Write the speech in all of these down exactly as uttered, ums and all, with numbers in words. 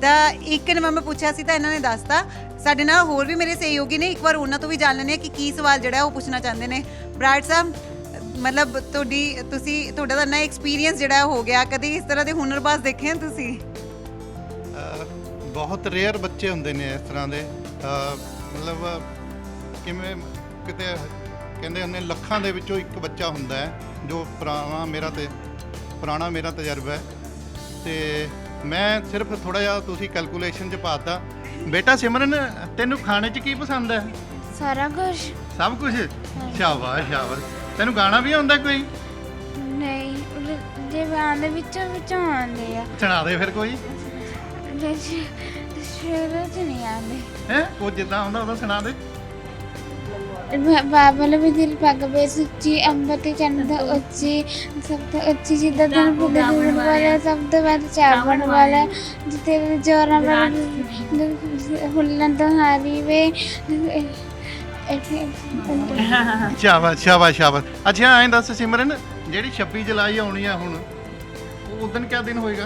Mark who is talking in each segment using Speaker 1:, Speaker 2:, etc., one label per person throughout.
Speaker 1: ਤਾਂ ਇੱਕ ਨੰਬਰ ਮੈਂ ਪੁੱਛਿਆ ਸੀ ਤਾਂ ਇਹਨਾਂ ਨੇ ਦੱਸਤਾ। ਸਾਡੇ ਨਾਲ ਹੋਰ ਵੀ ਮੇਰੇ ਸਹਿਯੋਗੀ ਨੇ, ਇੱਕ ਵਾਰ ਉਹਨਾਂ ਤੋਂ ਵੀ ਜਾਣ ਲੈਂਦੇ ਹਾਂ ਕਿ ਕੀ ਸਵਾਲ ਜਿਹੜਾ ਉਹ ਪੁੱਛਣਾ ਚਾਹੁੰਦੇ ਨੇ। ਬਰਾੜ ਸਾਹਿਬ, ਮਤਲਬ ਤੁਹਾਡੀ ਤੁਸੀਂ ਤੁਹਾਡਾ ਤਾਂ ਨਾ ਐਕਸਪੀਰੀਅੰਸ ਜਿਹੜਾ ਹੋ ਗਿਆ, ਕਦੀ ਇਸ ਤਰ੍ਹਾਂ ਦੇ ਹੁਨਰਬਾਜ਼ ਦੇਖੇ ਹਨ ਤੁਸੀਂ?
Speaker 2: ਬਹੁਤ ਰੇਅਰ ਬੱਚੇ ਹੁੰਦੇ ਨੇ ਇਸ ਤਰ੍ਹਾਂ ਦੇ, ਮਤਲਬ ਕਿਵੇਂ ਕਿਤੇ ਕਹਿੰਦੇ ਹੁੰਦੇ ਲੱਖਾਂ ਦੇ ਵਿੱਚੋਂ ਇੱਕ ਬੱਚਾ ਹੁੰਦਾ ਹੈ ਜੋ ਪੁਰਾਣਾ ਮੇਰਾ ਤੇ ਪੁਰਾਣਾ ਮੇਰਾ ਤਜਰਬਾ ਹੈ। ਤੇ ਮੈਂ ਸਿਰਫ ਥੋੜਾ ਜਿਹਾ ਤੁਸੀਂ ਕੈਲਕੂਲੇਸ਼ਨ 'ਚ ਪਾਤਾ। ਬੇਟਾ ਸਿਮਰਨ, ਤੈਨੂੰ ਖਾਣੇ 'ਚ ਕੀ ਪਸੰਦ ਹੈ?
Speaker 3: ਸਾਰਾ ਕੁਝ।
Speaker 2: ਸਭ ਕੁਝ? ਸ਼ਾਬਾਸ਼ ਸ਼ਾਬਾਸ਼। ਤੈਨੂੰ ਗਾਣਾ ਵੀ ਆਉਂਦਾ ਕੋਈ?
Speaker 3: ਨਹੀਂ, ਜੇ ਆਉਂਦੇ ਵਿੱਚੋਂ ਵਿੱਚੋਂ ਆਉਂਦੇ ਆ।
Speaker 2: ਸੁਣਾ ਦੇ ਫਿਰ ਕੋਈ।
Speaker 3: ਸ਼ੁਰੂ ਚ ਨਹੀਂ ਆਉਂਦੇ
Speaker 2: ਹੈ, ਉਹ ਜਿੱਦਾਂ ਆਉਂਦਾ ਉਹਦਾ ਸੁਣਾ ਦੇ।
Speaker 3: ਬਾਬਲ ਵੀ ਦਿਲ ਪੱਗ ਬੇ ਸੁੱਚੀ, ਅੰਬਰ ਤੇ ਚੰਦ ਉੱਚੀ, ਸਭ ਤੋਂ ਉੱਚੀ ਜਿੱਦਾਂ ਦਿਨ ਪੁੱਗੇ ਜੁੜਨ ਵਾਲਾ, ਸਭ ਤੋਂ ਵੱਧ ਚਾਵਣ ਵਾਲਾ, ਜਿੱਤੇ ਜੋਰਾਂ ਵਾਲਾ ਹੁੱਲਣ ਤੋਂ ਹਾਰੀ ਵੇ।
Speaker 2: ਸ਼ਾਬਾਸ਼ ਸ਼ਾਬਾਸ਼ ਸ਼ਾਬਾਸ਼। ਅੱਛਾ ਐਂ ਦੱਸ ਸਿਮਰਨ, ਜਿਹੜੀ ਛੱਬੀ ਜੁਲਾਈ ਆਉਣੀ ਆ ਹੁਣ, ਉਹ ਉਦੋਂ ਕਿਆ ਦਿਨ ਹੋਏਗਾ?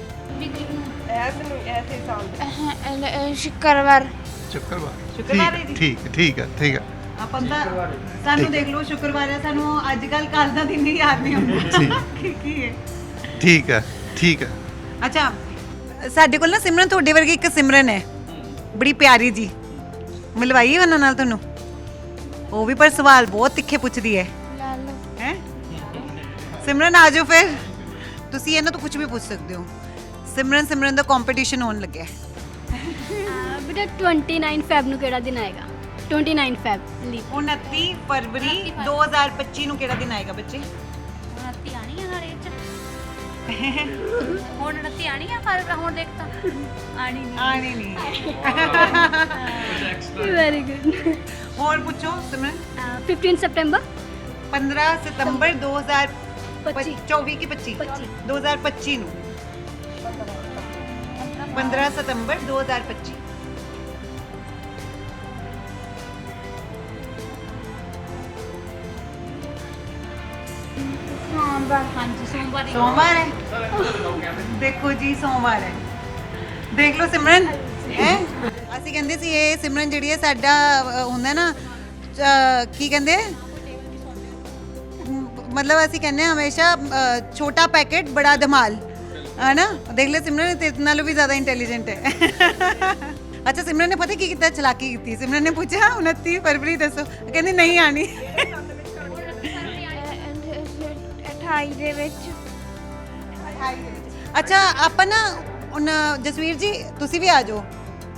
Speaker 3: ਸ਼ੁੱਕਰਵਾਰ।
Speaker 2: ਸ਼ੁੱਕਰਵਾਰ।
Speaker 1: ਸ਼ੁੱਕਰਵਾਰ ਹੈ ਜੀ।
Speaker 2: ਠੀਕ ਠੀਕ ਹੈ ਠੀਕ ਹੈ।
Speaker 1: ਆਪਾਂ ਤਾਂ ਸਾਨੂੰ ਦੇਖ ਲਓ ਸ਼ੁੱਕਰਵਾਰ ਹੈ, ਸਾਨੂੰ ਅੱਜ ਕੱਲ ਕੱਲ ਦਾ ਦਿਨ ਹੀ ਯਾਦ ਨਹੀਂ ਹੁੰਦਾ ਕੀ ਕੀ ਹੈ।
Speaker 2: ਠੀਕ ਹੈ ਠੀਕ ਹੈ।
Speaker 1: ਅੱਛਾ, ਸਾਡੇ ਕੋਲ ਨਾ ਸਿਮਰਨ ਤੁਹਾਡੇ ਵਰਗੀ ਇੱਕ ਸਿਮਰਨ ਹੈ, ਬੜੀ ਪਿਆਰੀ ਜੀ, ਮਿਲਵਾਈਏ ਉਹਨਾਂ ਨਾਲ ਤੁਹਾਨੂੰ। ਉਹ ਵੀ ਪਰ ਸਵਾਲ ਬਹੁਤ ਤਿੱਖੇ ਪੁੱਛਦੀ ਹੈ ਹੈ ਸਿਮਰਨ ਆ ਜਾਓ ਫਿਰ, ਤੁਸੀਂ ਇਹਨਾਂ ਤੋਂ ਕੁਝ ਵੀ ਪੁੱਛ ਸਕਦੇ ਹੋ। ਸਿਮਰਨ ਸਿਮਰਨ ਦਾ ਕੰਪੀਟੀਸ਼ਨ ਹੋਣ ਲੱਗਿਆ।
Speaker 4: ਬੇਟਾ ਉਨੱਤੀ ਫੈਬ ਨੂੰ ਕਿਹੜਾ ਦਿਨ ਆਏਗਾ? ਉਨੱਤੀ ਫੈਬ ਲੀਪ।
Speaker 1: ਉਨੱਤੀ ਫਰਵਰੀ ਦੋ ਹਜ਼ਾਰ ਪੱਚੀ ਨੂੰ ਕਿਹੜਾ ਦਿਨ ਆਏਗਾ ਬੱਚੇ?
Speaker 5: ਉਨੱਤੀ ਆਣੀ ਆ ਨਾਲੇ ਚ ਹੁਣ ਉਨੱਤੀ ਆਣੀ ਆ, ਪਰ ਹੁਣ ਦੇਖ ਤਾਂ ਆਣੀ ਨਹੀਂ
Speaker 1: ਆਣੀ ਨਹੀਂ।
Speaker 4: Very good.
Speaker 1: ਹੋਰ ਪੁੱਛੋ ਸਿਮਰਨ।
Speaker 4: ਪੰਦਰਾਂ ਸਤੰਬਰ
Speaker 1: ਪੰਦਰਾਂ ਸਤੰਬਰ ਦੋ ਹਜ਼ਾਰ
Speaker 4: ਪੱਚੀ।
Speaker 1: ਚੌਵੀ ਕੀ ਪੱਚੀ?
Speaker 4: ਪੱਚੀ।
Speaker 1: ਦੋ ਹਜ਼ਾਰ ਪੱਚੀ ਨੂੰ ਪੰਦਰਾਂ ਸਤੰਬਰ ਦੋ ਹਜ਼ਾਰ ਪੱਚੀ।
Speaker 5: ਸੋਮਵਾਰ। ਹਾਂਜੀ ਸੋਮਵਾਰ ਹੀ।
Speaker 1: ਸੋਮਵਾਰ ਹੈ। ਦੇਖੋ ਜੀ ਸੋਮਵਾਰ ਹੈ, ਦੇਖ ਲਓ ਸਿਮਰਨ ਹੈ। ਅਸੀਂ ਕਹਿੰਦੇ ਸੀ ਇਹ ਸਿਮਰਨ ਜਿਹੜੀ ਹੈ ਸਾਡਾ ਅ, ਹੁੰਦਾ ਨਾ ਅ, ਕੀ ਕਹਿੰਦੇ ਮ- ਮਤਲਬ ਅਸੀਂ ਕਹਿੰਦੇ ਹਾਂ ਹਮੇਸ਼ਾ ਅ, ਛੋਟਾ ਪੈਕੇਟ ਬੜਾ ਧਮਾਲ, ਹੈ ਨਾ। ਦੇਖ ਲੈ ਸਿਮਰਨ ਤੇਰੇ ਨਾਲੋਂ ਵੀ ਜ਼ਿਆਦਾ ਇੰਟੈਲੀਜੈਂਟ ਹੈ। ਅੱਛਾ ਸਿਮਰਨ ਨੇ ਪਤਾ ਕੀ ਕੀਤਾ, ਚਲਾਕੀ ਕੀਤੀ। ਸਿਮਰਨ ਨੇ ਪੁੱਛਿਆ ਉਨੱਤੀ ਫਰਵਰੀ ਦੱਸੋ, ਕਹਿੰਦੀ ਨਹੀਂ ਆਣੀ।
Speaker 3: ਅਠਾਈ ਦੇ ਵਿੱਚ।
Speaker 1: ਅੱਛਾ ਆਪਾਂ ਨਾ ਹੁਣ ਜਸਵੀਰ ਜੀ ਤੁਸੀਂ ਵੀ ਆ ਜਾਓ।